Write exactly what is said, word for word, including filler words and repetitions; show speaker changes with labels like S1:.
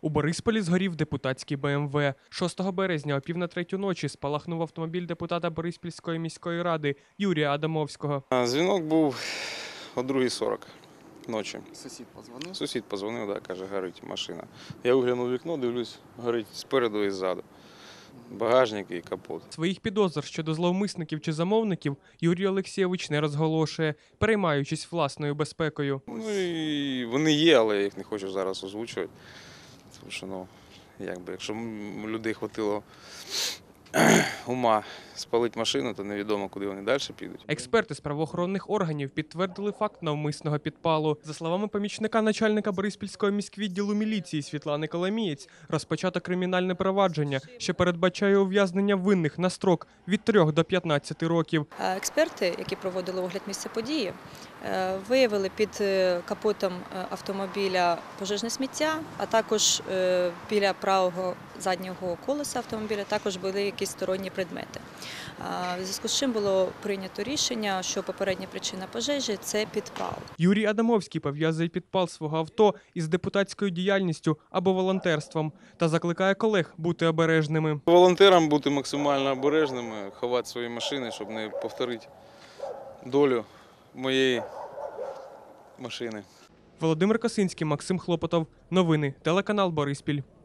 S1: У Борисполі згорів депутатський Бе Ем Ве. шостого березня о пів на третю ночі спалахнув автомобіль депутата Бориспільської міської ради Юрія Адамовського.
S2: Дзвінок був о другій сорок ночі.
S3: Сусід подзвонив?
S2: Сусід подзвонив, да, каже, горить машина. Я виглянув у вікно, дивлюсь, горить спереду і ззаду. Багажник і капот.
S1: Своїх підозр щодо зловмисників чи замовників Юрій Олексійович не розголошує, переймаючись власною безпекою.
S2: Ну і вони є, але я їх не хочу зараз озвучувати. Тому що, ну, якби, якщо у людей хватило ума спалити машину, то невідомо, куди вони далі підуть.
S1: Експерти з правоохоронних органів підтвердили факт навмисного підпалу. За словами помічника начальника Бориспільського міськвідділу міліції Світлани Коломієць, розпочато кримінальне провадження, що передбачає ув'язнення винних на строк від трьох до п'ятнадцяти років.
S4: Експерти, які проводили огляд місця події, виявили під капотом автомобіля пожежне сміття, а також біля правого заднього колеса автомобіля також були якісь сторонні предмети. В зв'язку з чим було прийнято рішення, що попередня причина пожежі – це підпал.
S1: Юрій Адамовський пов'язує підпал свого авто із депутатською діяльністю або волонтерством та закликає колег бути обережними.
S2: Волонтерам бути максимально обережними, ховати свої машини, щоб не повторити долю моєї машини.
S1: Володимир Косинський, Максим Хлопотов. Новини. Телеканал Бориспіль.